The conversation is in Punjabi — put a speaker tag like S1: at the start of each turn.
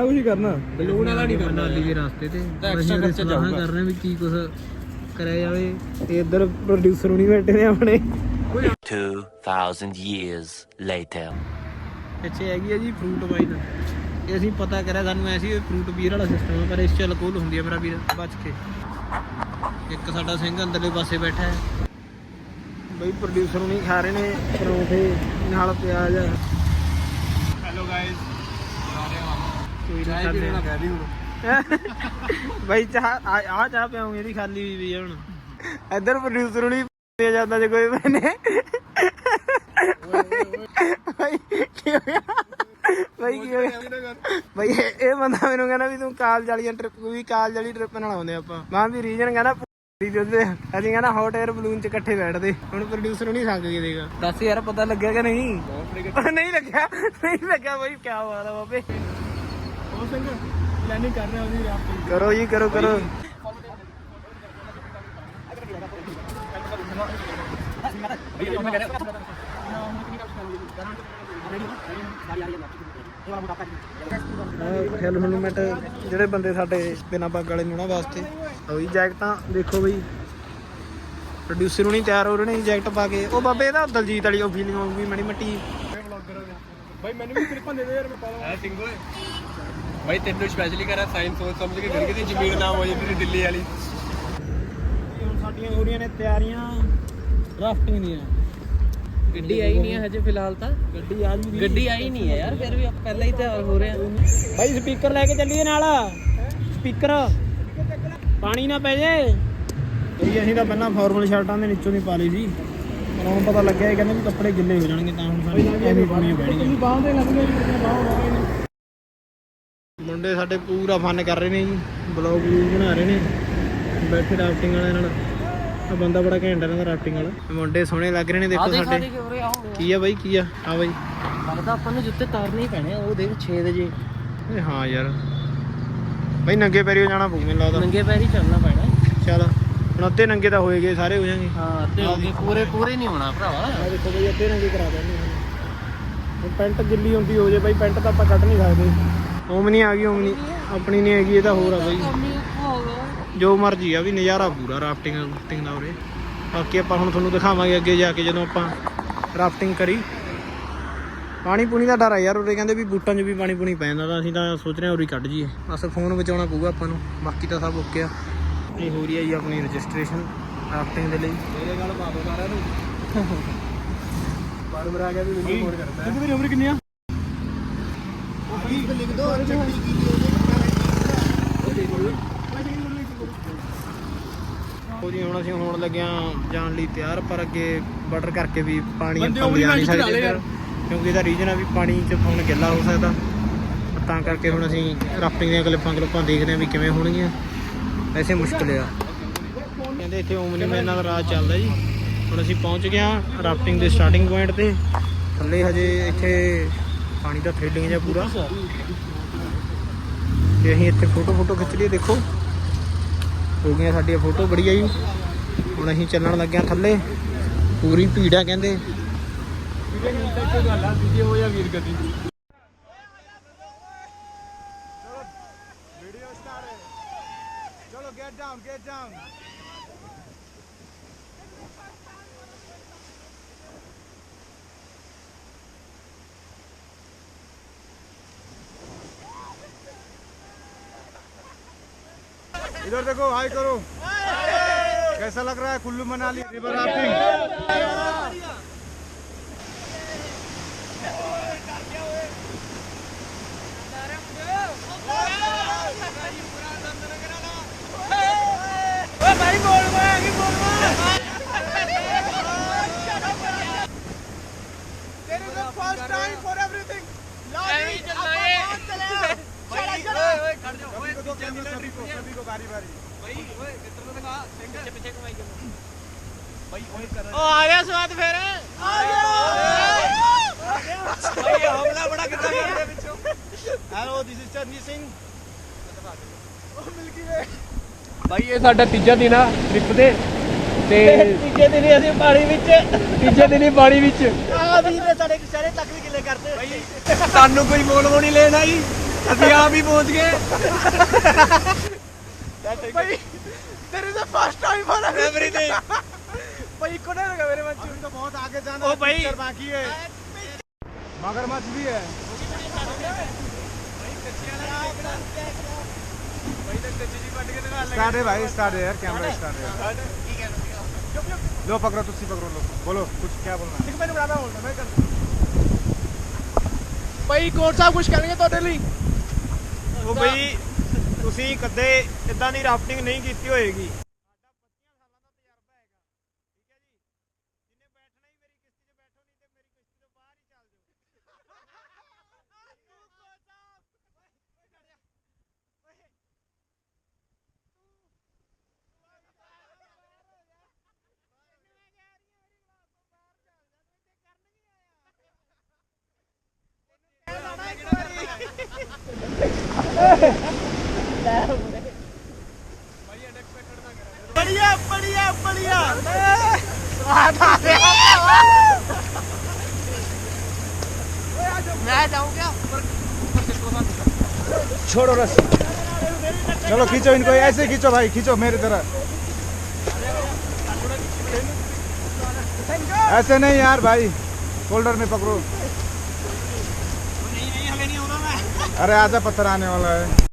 S1: ਕੁਝ ਹੀ ਕਰਨਾ
S2: ਬਲੂਨ ਵਾਲਾ ਨਹੀਂ ਕਰਨਾ
S3: ਮਨਾਲੀ ਦੇ ਰਸਤੇ ਤੇ
S2: ਐਕਸਟਰਾ ਖਰਚਾ ਜਾਊਗਾ
S3: ਕਰ ਰਹੇ ਵੀ ਕੀ ਕੁਝ ਕਰਿਆ ਜਾਵੇ ਤੇ ਇੱਧਰ ਪ੍ਰੋਡਿਊਸਰ ਹੁਣੀ ਬੈਠੇ ਨੇ ਆਪਣੇ
S4: 2000 years later
S3: ਪਿੱਛੇ ਹੈਗੀ ਆ ਜੀ ਫਰੂਟ ਵਾਈਨ ਇਹ ਅਸੀਂ ਪਤਾ ਕਰਿਆ ਸਾਨੂੰ ਐਸੀ ਫਰੂਟ ਬੀਅਰ ਵਾਲਾ ਸਿਸਟਮ ਆ ਪਰ ਇਸ ਚ ਅਲਕੋਹਲ ਹੁੰਦੀ ਆ ਮੇਰਾ ਵੀਰ ਬਚ ਕੇ ਇੱਕ ਸਾਡਾ ਸਿੰਘ ਅੰਦਰਲੇ ਪਾਸੇ ਬੈਠਾ ਹੈ ਬਈ ਪ੍ਰੋਡਿਊਸਰ ਹੁਣੀ ਖਾ ਰਹੇ ਨੇ ਪਰੌਂਠੇ ਨਾਲ ਪਿਆਜ਼
S2: ਹੈਲੋ ਗਾਇਸ
S3: ਕੋਈ
S2: ਚਾਹ ਪੀਣਾ ਕਹਿ ਦੀ ਹੁਣ
S3: ਬਾਈ ਚਾਹ ਆ ਚਾਹ ਪਿਆਉਂਗੇ ਇਹਦੀ ਖਾਲੀ ਹੋਈ ਵੀ ਹੁਣ ਇੱਧਰ ਪ੍ਰੋਡਿਊਸਰ ਹੁਣੀ ਦੇ ਜਾਂਦਾ ਜੇ ਕੋਈ ਮੈਨੇ ਬਾਈ ਕੀ ਹੋ ਗਿਆ ਬਾਈ ਕੀ ਹੋਇਆ ਬਾਈ ਇਹ ਬੰਦਾ ਮੈਨੂੰ ਕਹਿੰਦਾ ਵੀ ਤੂੰ ਕਾਲਜ ਵਾਲੀ ਟ੍ਰਿਪ ਵੀ ਕਾਲਜ ਵਾਲੀ ਟ੍ਰਿਪ ਨਾਲ ਆਉਂਦੇ ਆਪਾਂ ਮਾਂ ਵੀ ਰੀਜਨ ਕਹਿੰਦਾ ਅਸੀਂ ਕਹਿੰਦਾ ਹੌਟ 에ਅਰ ਬਲੂਨ ਚ ਇਕੱਠੇ ਬੈਠਦੇ ਹੁਣ ਪ੍ਰੋਡਿਊਸਰ ਨਹੀਂ ਸੰਗ ਕੇ ਦੇਗਾ ਦੱਸ ਯਾਰ ਪਤਾ ਲੱਗਿਆ ਕਿ ਨਹੀਂ ਨਹੀਂ ਲੱਗਿਆ ਬਾਈ ਕੀ ਬਾਤ ਆ ਬਾਬੇ
S1: ਉਹ ਸਿੰਘ ਪਲੈਨਿੰਗ ਕਰ ਰਹੇ ਉਹਦੀ ਰਾਫਟਿੰਗ
S3: ਕਰੋ ਜੀ ਕਰੋ ਹੈਲਮਟ ਜਿਹੜੇ ਬੰਦੇ ਸਾਡੇ ਬਿਨਾਂ ਪੱਗ ਵਾਲੇ ਨੂੰ ਨਾ ਵਾਸਤੇ ਉਹੀ ਜੈਕਟਾਂ ਦੇਖੋ ਬਈ ਪ੍ਰੋਡਿਊਸਰ ਨੂੰ ਨਹੀਂ ਤਿਆਰ ਹੋ ਰਹੇ ਨੇ ਜੈਕਟ ਪਾ ਕੇ ਉਹ ਬਾਬੇ ਇਹਦਾ ਦਲਜੀਤ ਵਾਲੀ ਉਹ ਫੀਲਿੰਗ ਆਊਗੀ ਮੜੀ ਮੱਟੀ
S1: ਬਾਈ ਮੈਨੂੰ ਵੀ ਕਲਿੱਪਾਂ ਦੇ ਦੇ ਯਾਰ ਮੈਂ ਪਾ ਲਾਂ
S2: ਹੈ ਸਿੰਘ ਓਏ ਭਾਈ ਤੈਨੂੰ ਸਪੈਸ਼ਲੀ ਕਰਾ ਸਾਇੰਸ ਸੋਚ ਸਮਝ ਕੇ ਫਿਰ ਕਿਤੇ ਜ਼ਮੀਨ ਨਾ ਹੋ ਜੇ ਤੇਰੀ ਦਿੱਲੀ ਵਾਲੀ
S3: ਹੁਣ ਸਾਡੀਆਂ ਹੋ ਰਹੀਆਂ ਨੇ ਤਿਆਰੀਆਂ ਰਾਫਟਿੰਗ ਦੀਆਂ
S5: ਗੱਡੀ ਆਈ ਨਹੀਂ ਹੈ ਹਜੇ ਫਿਲਹਾਲ ਤਾਂ ਗੱਡੀ ਆਈ ਨਹੀਂ ਹੈ ਯਾਰ ਫਿਰ ਵੀ ਆਪਾਂ ਪਹਿਲਾਂ ਹੀ ਤਿਆਰ ਹੋ ਰਹੇ ਆ
S3: ਬਾਈ ਸਪੀਕਰ ਲੈ ਕੇ ਚੱਲੀਏ ਨਾਲ ਸਪੀਕਰ ਪਾਣੀ ਨਾ ਪੈ ਜੇ ਬਈ ਅਸੀਂ ਤਾਂ ਪਹਿਲਾਂ ਫਾਰਮਲ ਸ਼ਰਟਾਂ ਦੇ ਨੀਚੋਂ ਨਹੀਂ ਪਾ ਲਈ ਸੀ ਪਰ ਹੁਣ ਪਤਾ ਲੱਗਿਆ ਇਹ ਕਹਿੰਦੇ ਵੀ ਕੱਪੜੇ ਗਿੱਲੇ ਹੋ ਜਾਣਗੇ ਤਾਂ ਹੁਣ ਸਾਨੂੰ ਐਵੇਂ ਪਾਉਣੀਆਂ ਪੈਣਗੀਆਂ
S1: ਬਾਹਾਂ ਦੇ ਲੱਗ ਗਏ
S3: ਮੁੰਡੇ ਸਾਡੇ ਪੂਰਾ ਫਨ ਕਰ ਰਹੇ ਨੇ ਜੀ ਬਲੌਗ ਬਣਾ ਰਹੇ ਨੇ ਬੈਠੇ ਰਾਫਟਿੰਗ ਵਾਲਿਆਂ ਨਾਲ ਆ ਬੰਦਾ ਬੜਾ ਘੈਂਟ ਹੈ ਇਹਨਾਂ ਦਾ ਰਾਫਟਿੰਗ ਵਾਲਾ ਮੁੰਡੇ ਸੋਹਣੇ ਲੱਗ ਰਹੇ ਨੇ ਦੇਖੋ ਸਾਡੇ ਕੀ ਆ ਬਾਈ ਕੀ ਆ ਆ ਬਾਈ
S5: ਲੱਗਦਾ ਆਪਾਂ ਨੂੰ ਜੁੱਤੇ ਤਾਰਨੇ ਹੀ ਪੈਣੇ ਆ ਉਹ ਦੇਖ 6 ਵਜੇ
S3: ਹਾਂ ਯਾਰ ਬਾਈ ਨੰਗੇ ਪੈਰੀਓ ਜਾਣਾ ਪਊ ਮੈਨੂੰ ਲੱਗਦਾ
S5: ਨੰਗੇ ਪੈਰ ਹੀ ਚੱਲਣਾ ਪੈਣਾ
S3: ਚੱਲ ਹੁਣ ਅੱਧੇ ਨੰਗੇ ਤਾਂ ਹੋਏ ਗਏ ਸਾਰੇ ਹੋ ਜਾਣਗੇ
S5: ਹਾਂ ਤੇ ਹੋ ਗਏ ਪੂਰੇ ਨਹੀਂ ਹੋਣਾ ਭਰਾਵਾ
S3: ਆ ਦੇਖੋ ਬਾਈ ਅੱਧੇ ਨੰਗੇ ਕਰਾ ਦਿੰਦੇ ਹੁਣ ਪੈਂਟ ਗਿੱਲੀ ਹੁੰਦੀ ਹੋ ਜੇ ਬਾਈ ਪੈਂਟ ਤਾਂ ਆਪਾਂ ਕੱਢ ਨਹੀਂ ਸਕਦੇ ਓਮਨੀ ਆ ਗਈ ਓਮਨੀ ਆਪਣੀ ਨਹੀਂ ਹੈਗੀ ਇਹ ਤਾਂ ਹੋਰ ਆ ਬਾਈ ਜੋ ਮਰਜੀ ਆ ਵੀ ਨਜ਼ਾਰਾ ਪੂਰਾ ਰਾਫਟਿੰਗ ਦਾ ਉਰੇ ਬਾਕੀ ਆਪਾਂ ਹੁਣ ਤੁਹਾਨੂੰ ਦਿਖਾਵਾਂਗੇ ਅੱਗੇ ਜਾ ਕੇ ਜਦੋਂ ਆਪਾਂ ਰਾਫਟਿੰਗ ਕਰੀ ਪਾਣੀ ਪੂਣੀ ਦਾ ਡਰ ਆ ਯਾਰ ਉਰੇ ਕਹਿੰਦੇ ਵੀ ਬੂਟਾਂ 'ਚ ਵੀ ਪਾਣੀ ਪੂਣੀ ਪੈ ਜਾਂਦਾ ਤਾਂ ਅਸੀਂ ਤਾਂ ਸੋਚ ਰਹੇ ਹਾਂ ਉਰੇ ਕੱਢ ਜੀਏ ਬਸ ਫੋਨ ਬਚਾਉਣਾ ਪਊਗਾ ਆਪਾਂ ਨੂੰ ਬਾਕੀ ਤਾਂ ਸਭ ਓਕੇ ਆ ਇਹ ਹੋ ਰਹੀ ਹੈ ਜੀ ਆਪਣੀ ਰਜਿਸਟ੍ਰੇਸ਼ਨ ਰਾਫਟਿੰਗ ਦੇ ਲਈ
S1: ਮੇਰੇ ਗੱਲ ਪਾ ਦੋ ਸਾਰਿਆਂ ਨੂੰ ਬਾਰ ਆ ਗਿਆ ਵੀ ਮੈਨੂੰ ਫੋਨ ਕਰਦਾ ਕਿੰਨੀ ਮੇਰੀ ਉਮਰ ਕਿੰਨੀ ਆ ਉਹ ਵੀ ਲਿਖ ਦੋ ਚੱਕੜੀ ਕੀ
S3: ਉਹ ਜੀ ਹੁਣ ਅਸੀਂ ਹੋਣ ਲੱਗਿਆ ਜਾਣ ਲਈ ਤਿਆਰ ਪਰ ਅੱਗੇ ਬਾਰਡਰ ਕਰਕੇ ਵੀ ਪਾਣੀ ਆਪਾਂ ਲਿਆ ਨਹੀਂ ਸਕਦੇ ਕਿਉਂਕਿ ਇਹਦਾ ਰੀਜਨ ਆ ਵੀ ਪਾਣੀ 'ਚ ਫੋਨ ਗਿੱਲਾ ਹੋ ਸਕਦਾ ਤਾਂ ਕਰਕੇ ਹੁਣ ਅਸੀਂ ਰਾਫਟਿੰਗ ਦੀਆਂ ਕਲਿੱਪਾਂ ਦੇਖਦੇ ਹਾਂ ਵੀ ਕਿਵੇਂ ਹੋਣਗੀਆਂ ਵੈਸੇ ਮੁਸ਼ਕਿਲ ਆ ਕਹਿੰਦੇ ਇੱਥੇ ਓਮਨੀ ਮੈਨ ਨਾਲ ਰਾਹ ਚੱਲਦਾ ਜੀ ਹੁਣ ਅਸੀਂ ਪਹੁੰਚ ਗਏ ਹਾਂ ਰਾਫਟਿੰਗ ਦੇ ਸਟਾਰਟਿੰਗ ਪੁਆਇੰਟ ਤੇ ਥੱਲੇ ਹਜੇ ਇੱਥੇ ਪਾਣੀ ਦਾ ਥ੍ਰਿਲਿੰਗ ਜਿਹਾ ਪੂਰਾ ਤੇ ਅਸੀਂ ਇੱਥੇ ਫੋਟੋ ਖਿੱਚ ਲਈ ਦੇਖੋ ਹੋ ਗਈਆਂ ਸਾਡੀਆਂ ਫੋਟੋ ਬੜੀਆ ਜੀ ਹੁਣ ਅਸੀਂ ਚੱਲਣ ਲੱਗੇ ਹਾਂ ਥੱਲੇ ਪੂਰੀ ਭੀੜ ਆ ਕਹਿੰਦੇ
S1: ਹੋ ਜਾ ਵੀਰ ਗੱਡੀ ਵੀਡੀਓ ਸਟਾਰਟ ਚਲੋ ਗੈਟ ਡਾਊਨ इधर देखो हाई करो कैसा लग रहा है Kullu Manali river rafting first time for everything सभी को बारी बारी भाई ओए कितना दिखा पीछे पीछे कमाई कर भाई ओए कर ओ आ गया स्वाद फिर आ गया भाई हमला बड़ा कितना कर रहे पीछे हेलो दिस इज चरनी सिंह ओ मिल्की वे
S2: ਭਾਈ ਇਹ ਸਾਡਾ ਤੀਜਾ ਦਿਨ ਆ ਟ੍ਰਿਪ ਦੇ ਤੇ
S3: ਤੀਜੇ ਦਿਨ ਅਸੀਂ ਪਾਣੀ ਵਿੱਚ
S2: ਪਾਣੀ ਵਿੱਚ
S3: ਆ ਵੀਰ ਨੇ ਸਾਡੇ ਸਾਰੇ ਤੱਕ ਵੀ ਗਿੱਲੇ ਕਰਤੇ
S2: ਭਾਈ ਸਾਨੂੰ ਕੋਈ ਮੋਲ ਨਹੀਂ ਲੈਣਾ ਜੀ
S3: ਅਸੀਂ ਆਪ ਹੀ ਪਹੁੰਚ ਗਏ ਭਾਈ तेरे से फर्स्ट टाइम हो रहा है एवरीथिंग भाई को नहीं लगा मेरे मन में तो बहुत आगे जाना है पिक्चर बाकी है मगरमच्छ भी है स्टार्ट है भाई स्टार्ट है यार कैमरा स्टार्ट है लो पकड़ो तुसी पकड़ो लो बोलो कुछ क्या बोलना है मैंने बड़ा बोलना मैं कर भाई कौन सा कुछ करेंगे ਤੁਹਾਡੇ ਲਈ ਉਹ ਬਈ ਤੁਸੀਂ ਕਦੇ ਇਦਾਂ ਦੀ ਰਾਫਟਿੰਗ ਨਹੀਂ ਕੀਤੀ ਹੋਏਗੀ बढ़िया बढ़िया बढ़िया मैं जाऊँ क्या छोड़ो रस चलो खींचो इनको ऐसे खींचो भाई खींचो मेरी तरह ऐसे नहीं यार भाई शोल्डर में पकड़ो अरे आजा पत्थर आने वाला है